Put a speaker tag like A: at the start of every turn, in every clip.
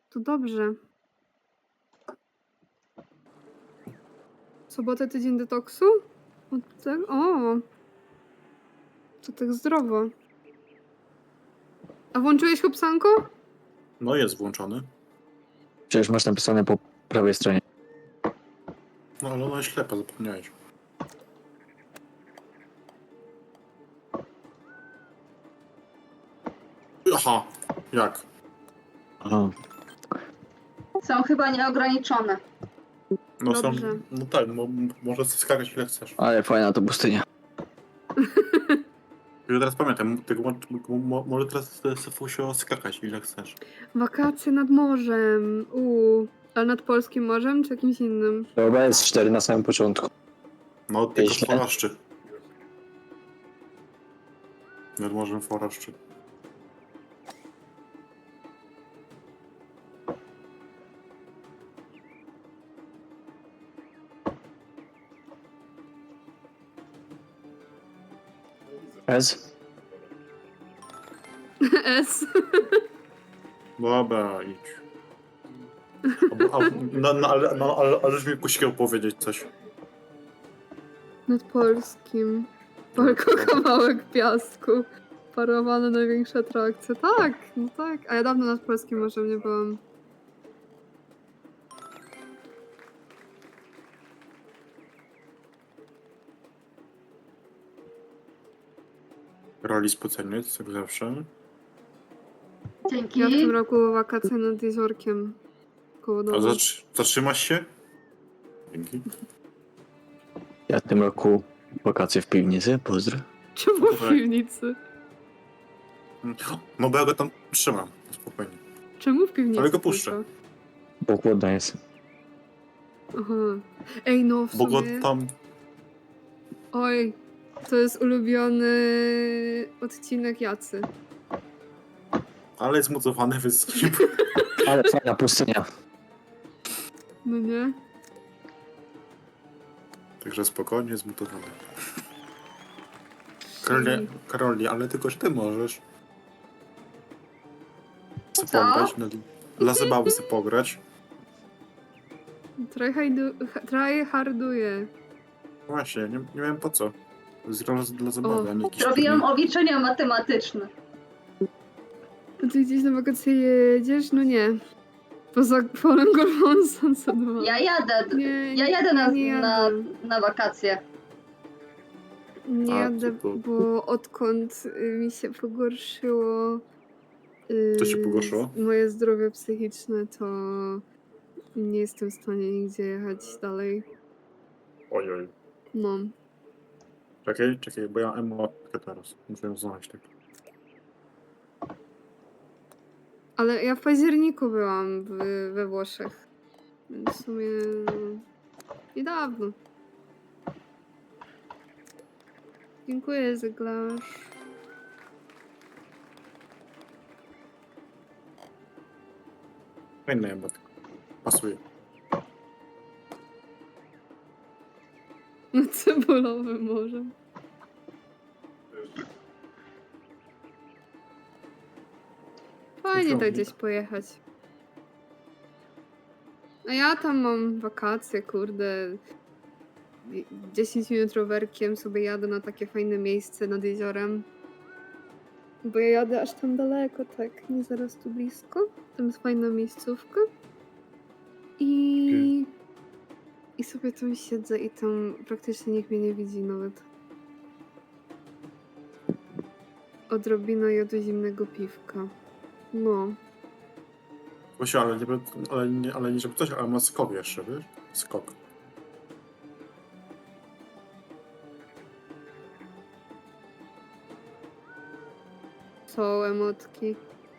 A: To dobrze. Sobotę tydzień detoksu? O! To tak zdrowo. A włączyłeś Hubsanko?
B: No jest włączony.
C: Przecież masz napisane po prawej stronie.
B: No ale ona jest ślepa, zapomniałeś. Aha, jak?
C: Aha.
D: Są chyba nieograniczone.
B: No są,
A: Dobrze.
B: no tak, możesz skakać ile chcesz.
C: Ale fajna to pustynia.
B: Ja teraz pamiętam, tylko może teraz Sefusio skakać ile chcesz.
A: Wakacje nad morzem. Ale nad polskim morzem czy jakimś innym?
C: Chyba jest 4 na samym początku.
B: No tylko
C: Źle.
B: foraszczy. Nad morzem foraszczy.
C: S?
A: S.
B: Dobra, idź. Ależ mi kusił powiedzieć coś.
A: Nad polskim. Tylko kawałek piasku. Parowane największe atrakcje. Tak, no tak. A ja dawno nad polskim morzem nie byłam.
B: Roli spoceniec, jak zawsze.
D: Dzięki.
A: Ja w tym roku wakacje nad jeziorkiem. Koło
B: A
A: domu.
B: zatrzymasz się? Dzięki.
C: Ja w tym roku wakacje w piwnicy, pozdro.
A: Czemu w piwnicy?
B: No bo ja go tam trzymam, spokojnie.
A: Czemu w piwnicy?
B: Ale go puszczę.
A: tylko?
C: Bo chłodno jest.
A: Aha. Ej, no w
B: Bo go
A: sumie...
B: tam...
A: Oj, to jest ulubiony odcinek Jacy.
B: Ale jest mocowany, więc...
C: Ale fajna pustynia.
A: No nie?
B: Także spokojnie, zmutowany. Karoli, ale tylko, że ty możesz. Chcę
D: Co?
B: pograć, dla zabawy chcę pograć.
A: Tryharduję.
B: Właśnie, nie wiem po co. Dla zabawy,
A: O.
B: a nie jakiś
D: Robiłam
B: turniej.
D: obliczenia matematyczne.
A: A ty gdzieś na wakacje jedziesz? No nie. Poza polem golfowym Sunset 2.
D: Ja jadę.
A: Nie,
D: Ja jadę
A: nie jadę.
D: na wakacje.
A: Nie
B: A,
A: jadę,
B: to-
A: bo odkąd mi się pogorszyło...
B: Co się pogorszyło?
A: Moje zdrowie psychiczne, to nie jestem w stanie nigdzie jechać dalej.
B: Ojoj.
A: No.
B: Czekaj, bo ja emotkę teraz. Muszę ją znaleźć tak.
A: Ale ja w październiku byłam we Włoszech. Więc w sumie niedawno. Dziękuję, Zyglarz.
B: Fajna emotka. Pasuje.
A: No cebulowym morzem. Fajnie tak gdzieś pojechać. A ja tam mam wakacje, kurde. 10 minut rowerkiem sobie jadę na takie fajne miejsce nad jeziorem. Bo ja jadę aż tam daleko, tak, nie zaraz tu blisko. Tam jest fajna miejscówka. I sobie tam siedzę i tam praktycznie nikt mnie nie widzi nawet. Odrobina jodu zimnego piwka. No.
B: Właśnie, ale nie żeby coś, ale ma skok jeszcze, wiesz? Skok.
A: Są emotki.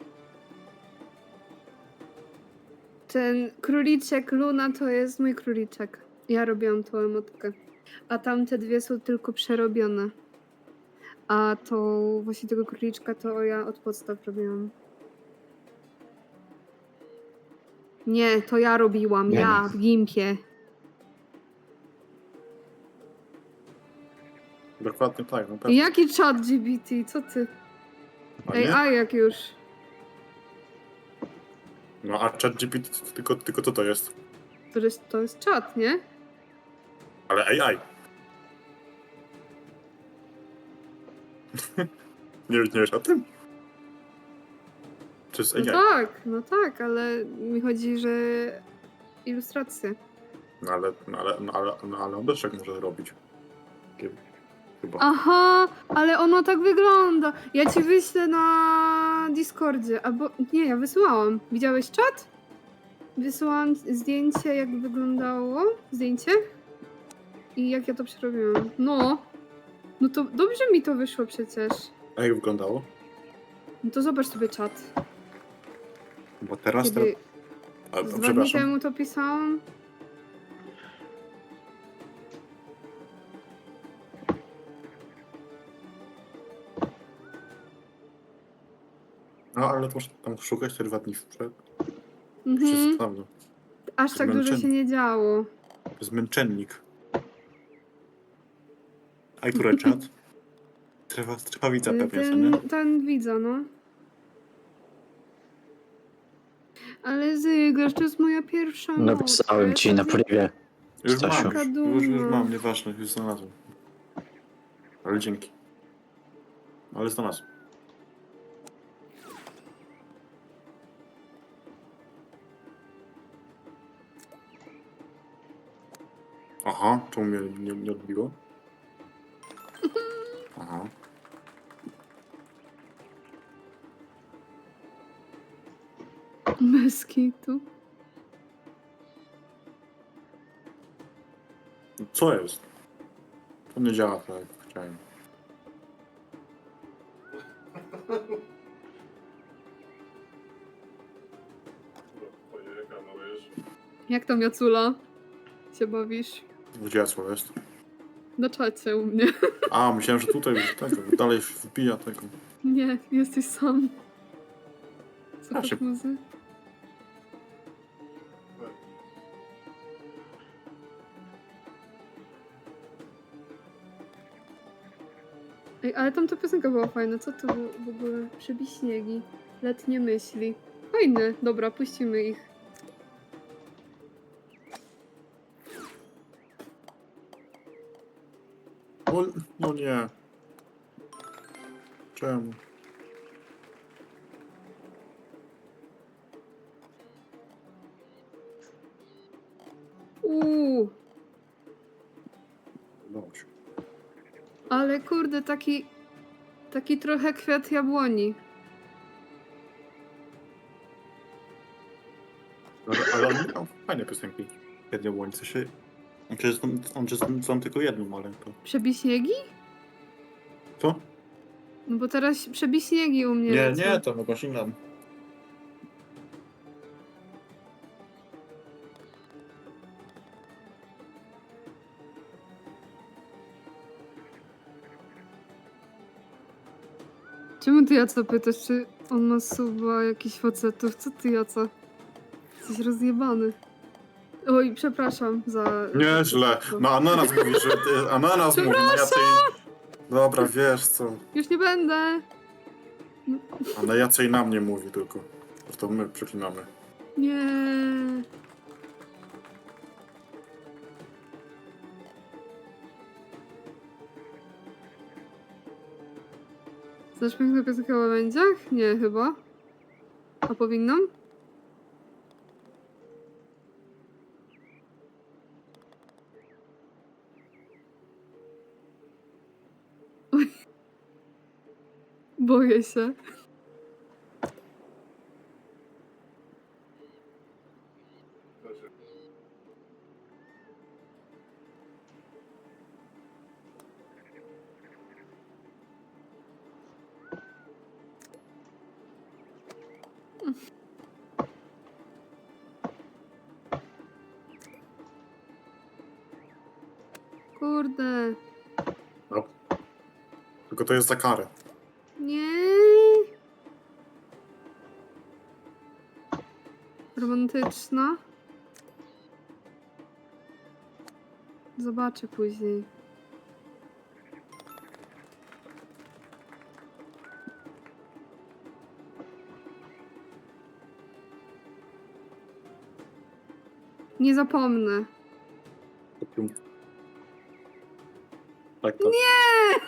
A: Ten króliczek Luna to jest mój króliczek. Ja robiłam tą emotkę. A tamte dwie są tylko przerobione. A to właśnie tego króliczka to ja od podstaw robiłam. Nie, to ja robiłam.
C: Nie.
A: Ja w Gimpie.
B: Dokładnie tak, no pewnie.
A: Jaki chat GBT? Co ty?
B: A
A: Ej,
B: nie?
A: a jak już?
B: No a ChatGPT tylko co to jest?
A: To jest czat, nie?
B: Ale AI. Nie wiesz o tym? To jest AI.
A: No tak, ale mi chodzi, że ilustracje.
B: No ale on też tak może robić. Chyba.
A: Aha, ale ono tak wygląda. Ja ci wyślę na Discordzie, albo nie, ja wysyłałam. Widziałeś czat? Wysyłałam zdjęcie, jak wyglądało. Zdjęcie? I jak ja to przerobiłam. No to dobrze mi to wyszło przecież.
B: A jak wyglądało?
A: No to zobacz sobie czat.
B: Bo teraz...
A: Kiedy
B: A,
A: z 2 dni
B: przepraszam.
A: temu to pisałam.
B: No ale to muszę tam szukać te 2 dni przed.
A: Mhm.
B: Przestawię.
A: Aż tak dużo się nie działo.
B: Zmęczennik. A który czat? Trwawica pewnie, co nie?
A: Ten widza, no. Ale Zygrasz, to jest moja pierwsza noc.
C: Napisałem ci na privie.
B: Już mam,
C: Stasiu.
B: już mam, nieważne, już znalazłem. Ale dzięki. Ale znalazłem. Aha, czemu mnie nie odbiło? Aha.
A: Bez kitu.
B: Co jest? To nie działa tak, jak chciałem.
A: Jak tam Jacula? Się bawisz?
B: Gdzie co jest?
A: Na czacie u mnie.
B: A, myślałem, że tutaj tego, dalej wbija tego.
A: Nie, jesteś sam. Słuchasz
B: się-
A: muzy? Ej, ale tam ta piosenka była fajna. Co to było w ogóle? Przebij śniegi. Letnie myśli. Fajne. Dobra, puścimy ich.
B: No nie. Czemu?
A: Uuu,
B: Udało się.
A: ale kurde, taki trochę kwiat jabłoni.
B: Ale on miał fajne piosenki. Jednie łońce się... On tylko jedną, ale to...
A: Przebij śniegi?
B: Co?
A: No bo teraz przebij śniegi u mnie.
B: Nie,
A: lecą.
B: nie, to chyba inną.
A: Czemu ty Jaca pytasz, czy on ma suba jakichś facetów? Co ty Jaca? Jesteś rozjebany. Oj, przepraszam za...
B: Nieźle. No Ananas mówi, że... Ananas mówi, no Jacej... Dobra, wiesz co.
A: Już nie będę.
B: A na Jacej na mnie mówi tylko. To my przeklinamy.
A: Nie. Znasz piękną piosenkę o łabędziach? Nie, chyba. A powinnam? Oj. Boję się. Kurde.
B: No. Tylko to jest za karę.
A: Nie. Romantyczna. Zobaczę później. Nie zapomnę.
B: Tak, tak.
A: Nie!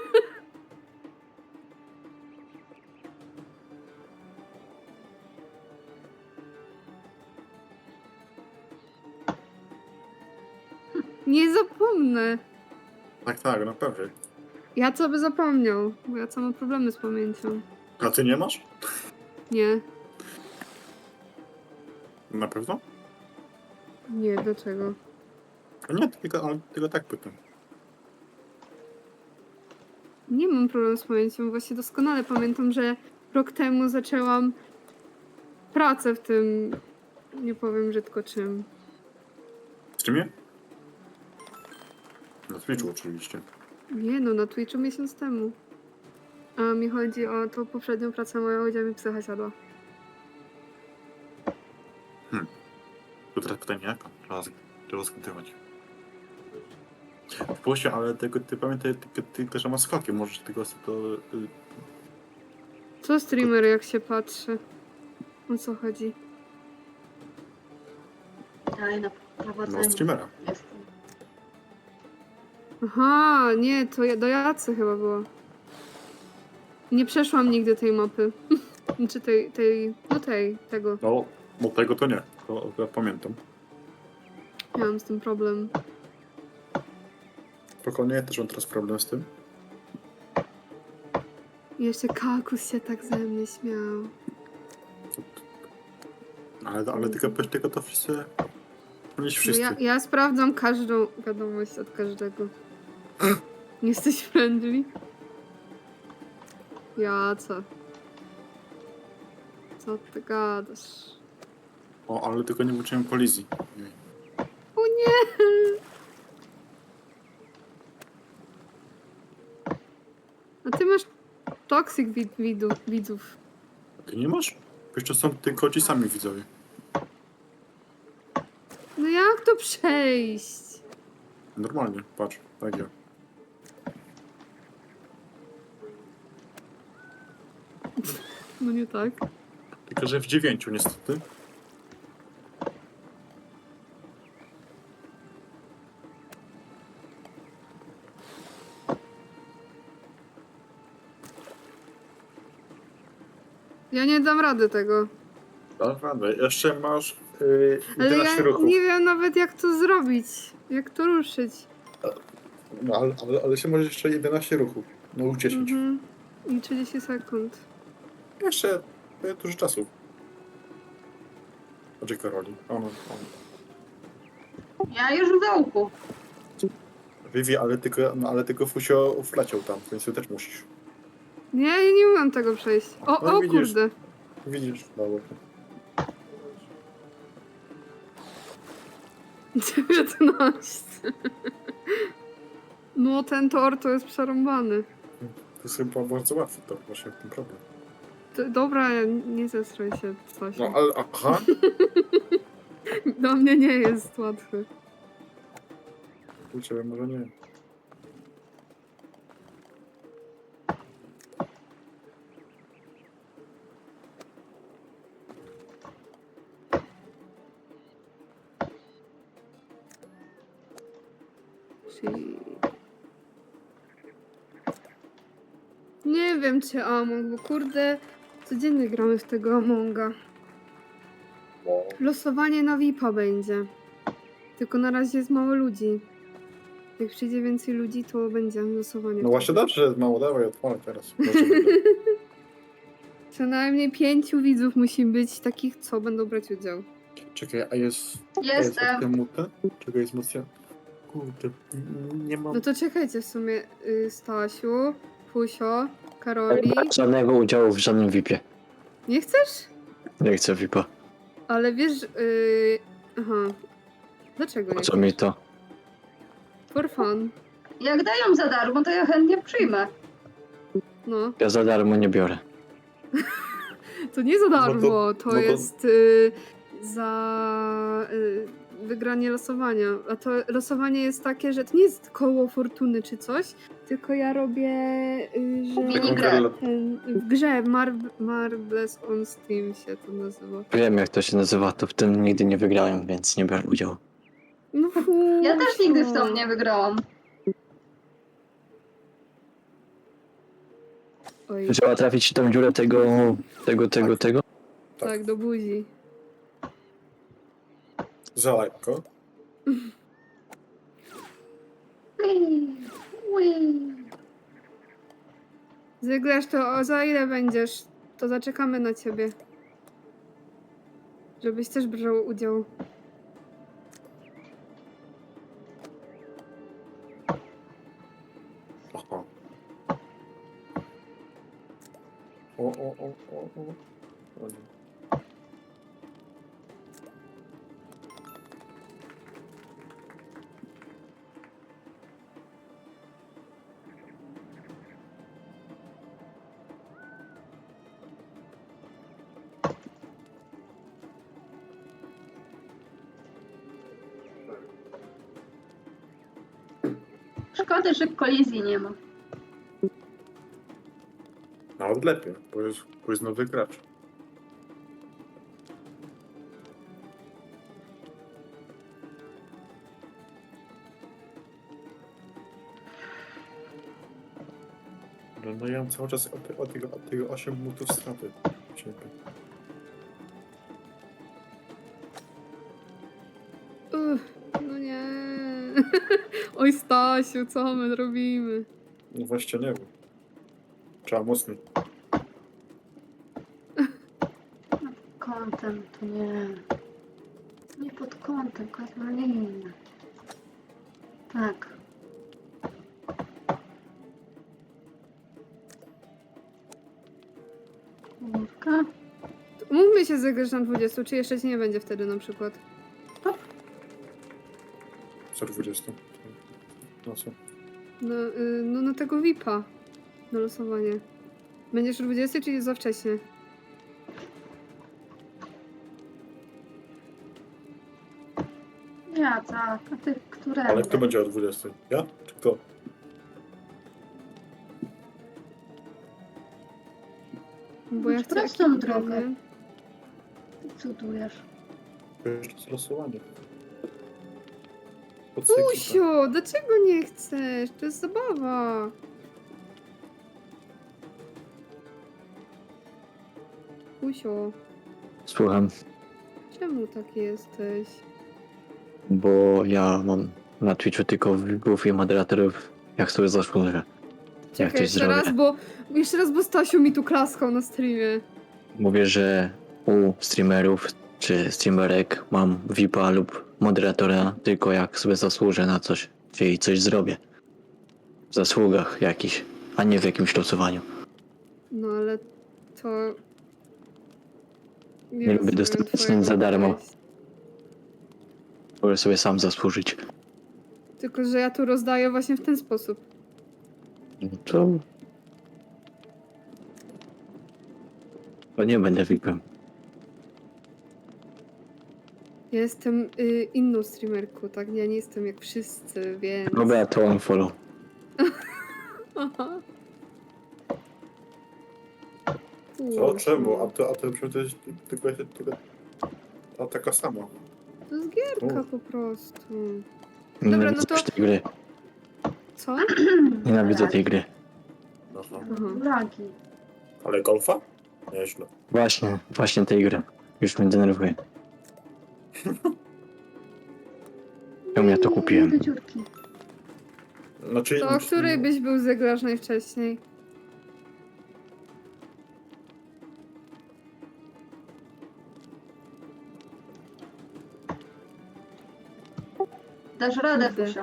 A: Nie zapomnę.
B: Tak, tak, na pewno.
A: Ja co by zapomniał, bo ja co mam problemy z pamięcią.
B: A ty nie masz?
A: Nie,
B: Na pewno?
A: nie, dlaczego?
B: Nie, tylko tak pytam.
A: Nie mam problemu z pamięcią, właśnie doskonale pamiętam, że rok temu zaczęłam pracę w tym, nie powiem brzydko czym.
B: W streamie? Na Twitchu oczywiście.
A: Nie no, na Twitchu miesiąc temu. A mi chodzi o tą poprzednią pracę moją, gdzie mi psycha siadła.
B: Tu teraz pytanie jaka? Trzeba skrytywać. Właśnie, ale tego, ty pamiętaj tylko, że ma skoki, możesz tego to...
A: Co streamer jak się patrzy? O co chodzi?
D: Daj na
B: No,
D: prowadzenie.
B: streamera.
D: Jestem.
A: Aha, nie, to do Jacy chyba było. Nie przeszłam nigdy tej mapy. Czy tego.
B: No, bo tego to nie. To ja pamiętam.
A: Miałam z tym problem.
B: Spokojnie, ja też mam teraz problem z tym.
A: I jeszcze Kakus się tak ze mnie śmiał.
B: Ale tylko to wszyscy... Nie
A: No
B: wszyscy.
A: ja sprawdzam każdą wiadomość od każdego. Nie jesteś friendly? Ja co? Co ty gadasz?
B: O, ale tylko nie włączyłem kolizji.
A: O nie! A ty masz toxic widzów.
B: Ty nie masz? Jeszcze są tylko ci sami widzowie.
A: No jak to przejść?
B: Normalnie, patrz, tak ja.
A: No nie tak.
B: Tylko, że w 9 niestety.
A: Ja nie dam rady tego.
B: Naprawdę, jeszcze masz
A: Ale
B: 11
A: ja
B: ruchów.
A: nie wiem nawet jak to zrobić. Jak to ruszyć.
B: No, ale się możesz jeszcze 11 ruchów. No 10.
A: Mhm. I 30 sekund.
B: Jeszcze dużo czasu. Chodź Karoli. On.
D: Ja już w dołku.
B: Vivi, ale tylko Fusio wleciał tam, więc ty też musisz.
A: Nie, ja nie umiem tego przejść. O,
B: No
A: o
B: widzisz.
A: kurde.
B: Widzisz? Dobra.
A: 19. No ten tor to jest przerąbany.
B: To jest chyba bardzo łatwe, to właśnie ten problem.
A: Dobra, nie zestraj się, Stasiu.
B: No ale, aha.
A: Dla mnie nie jest łatwy.
B: U ciebie może nie.
A: Czyli... Nie wiem czy Among, bo kurde, codziennie gramy w tego Amonga. Losowanie na VIP-a będzie. Tylko na razie jest mało ludzi. Jak przyjdzie więcej ludzi, to będzie losowanie.
B: No właśnie dobrze, że jest mało, dawaj, odpalę teraz.
A: Przynajmniej 5 widzów musi być takich, co będą brać udział.
B: Czekaj, a jest...
D: Jestem.
B: Czekaj, jest mocno... Kurde, nie mam...
A: No to czekajcie w sumie, Stasiu, Pusio, Karoli.
C: Żadnego udziału w żadnym VIP-ie.
A: Nie chcesz?
C: Nie chcę VIP-a.
A: Ale wiesz, aha. Dlaczego
C: Po
A: nie?
C: co mi to?
A: For fun.
D: Jak dają za darmo, to ja chętnie przyjmę.
A: No.
C: Ja za darmo nie biorę.
A: To nie za
B: No to-
A: darmo, to
B: no to-
A: jest za wygranie losowania. A to losowanie jest takie, że to nie jest koło fortuny czy coś, tylko ja robię, że
D: Minigrę.
A: w grze Marbles on Steam się to nazywa.
C: Wiem jak to się nazywa, to w tym nigdy nie wygrałem, więc nie biorę udziału.
A: No
D: Ja też nigdy w
A: Fusio.
D: to nie wygrałam.
A: Oj,
C: Trzeba trafić w tą dziurę tego.
A: tak, do buzi.
B: Za lekko.
D: Ui.
A: Zygrasz to za ile będziesz? To zaczekamy na ciebie. Żebyś też brał udział.
B: Aha. O. O nie.
D: Szkoda, że kolizji nie ma.
B: Nawet lepiej, bo jest nowy gracz. No ja mam cały czas od tego 8 minut straty. Ciebie.
A: No nie. Oj Stasiu, co my robimy?
B: No właśnie nie wiem. Trzeba mocniej.
D: Kątem to nie. Nie pod kątem, kazmaliny. Tak. Kurka.
A: Mówmy się zagrasz na 20, czy jeszcze ci nie będzie wtedy na przykład?
B: Co 20? No co?
A: No na tego VIP-a. Na losowanie. Będziesz o 20, czy jest za wcześnie?
D: Ja tak, a ty które?
B: Ale kto będzie o 20? Ja? Czy kto?
A: Bo ja
D: Idź
A: chcę
D: prostą
A: ekipkę,
D: drogę.
A: nie?
D: Ty cudujesz.
B: To jest losowanie. Podsyki,
A: Usio, dlaczego nie chcesz? To jest zabawa. Usio,
C: Słucham,
A: czemu taki jesteś?
C: bo ja mam na Twitchu tylko widzów i moderatorów, jak sobie zasłużę.
A: Czekaj,
C: coś zrobię.
A: jeszcze raz, bo Stasiu mi tu klaskał na streamie.
C: Mówię, że u streamerów czy streamerek mam VIP-a lub moderatora tylko jak sobie zasłużę na coś, czyli coś zrobię. W zasługach jakichś, a nie w jakimś losowaniu.
A: No ale to...
C: Nie lubię
A: rozumiem
C: dostawać
A: twojego
C: nic za darmo.
A: podejścia.
C: Mogę sobie sam zasłużyć.
A: Tylko, że ja tu rozdaję właśnie w ten sposób.
C: To nie będę VIP-em.
A: Ja jestem inną streamerką, tak? Ja nie jestem jak wszyscy, więc...
C: Dobra, to on follow.
A: Aha.
B: Co? Czemu? A to przecież tylko ta taka sama.
A: To jest gierka
B: U.
A: po prostu.
C: Nienawidzę
A: no to-
C: już tej gry.
A: Co?
C: Nienawidzę tej gry.
B: Aha.
D: Lagi.
B: Ale golfa? Nieźle.
C: Właśnie tej gry. Już mnie denerwuje. Czemu ja to kupiłem?
D: Do dziurki.
B: Znaczy,
A: To o której byś był zegrasz najwcześniej?
D: Dasz radę,
A: Kurde.
D: Fusio.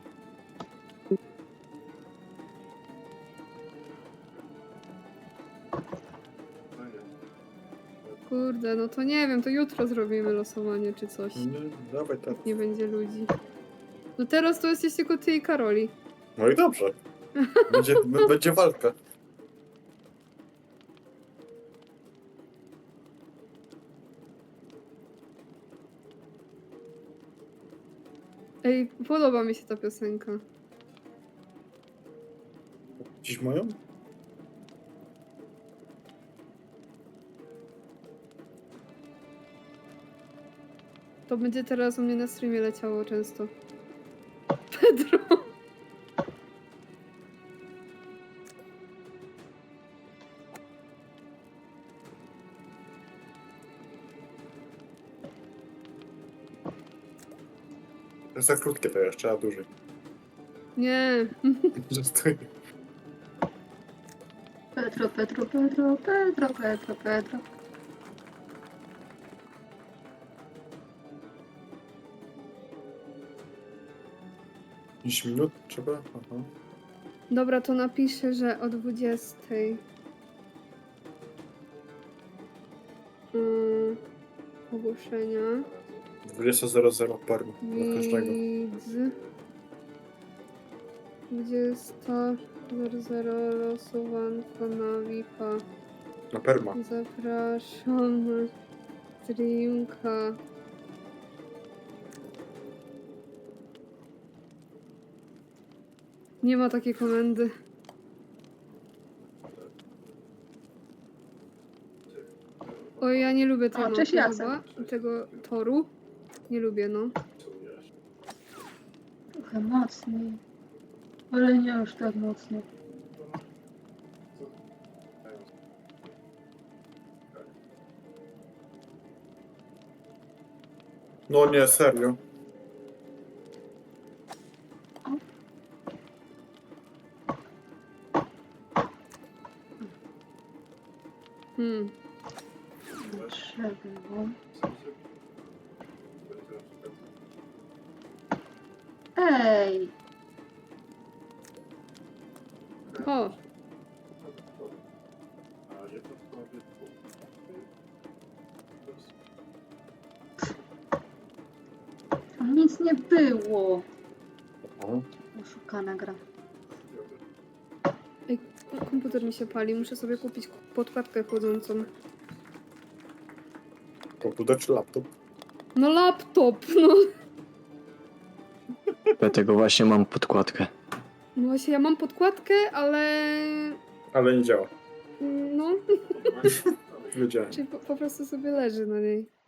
A: Kurde, no to nie wiem, to jutro zrobimy losowanie czy coś.
B: Nie, dawaj tak.
A: Nie będzie ludzi. No teraz to jesteś tylko ty i Karoli.
B: No i dobrze. Będzie walka.
A: Ej, podoba mi się ta piosenka.
B: Dziś moją?
A: To będzie teraz u mnie na streamie leciało często. Pedro!
B: To jest za krótkie to jeszcze, a dłużej.
A: Nie.
B: Że stoi.
D: Pedro, Pedro, Pedro, Pedro, Pedro, Pedro.
B: Pięć minut trzeba? Aha.
A: Dobra, to napiszę, że o 20. Ogłoszenia.
B: 20.00 per dla każdego.
A: Widz. 20.00 losowanko na VIP-a.
B: Na perma.
A: Zapraszam na streamka. Nie ma takiej komendy. Oj, ja nie lubię tej
D: O,
A: mapy
D: cześć, Jacek.
A: chyba. Tego toru. Nie lubię, no.
D: Trochę mocniej. Ale nie już tak mocno.
B: No nie, serio.
D: Trzeba. Ej!
A: O,
D: Tam nic nie było.
B: O,
D: Oszukana gra.
A: komputer mi się pali. Muszę sobie kupić podkładkę chłodzącą.
B: komputer czy laptop?
A: No laptop, no.
C: Dlatego właśnie mam podkładkę.
A: No właśnie, ja mam podkładkę, ale...
B: Ale nie działa.
A: No,
B: Wiedziałem.
A: czyli po prostu sobie leży na niej.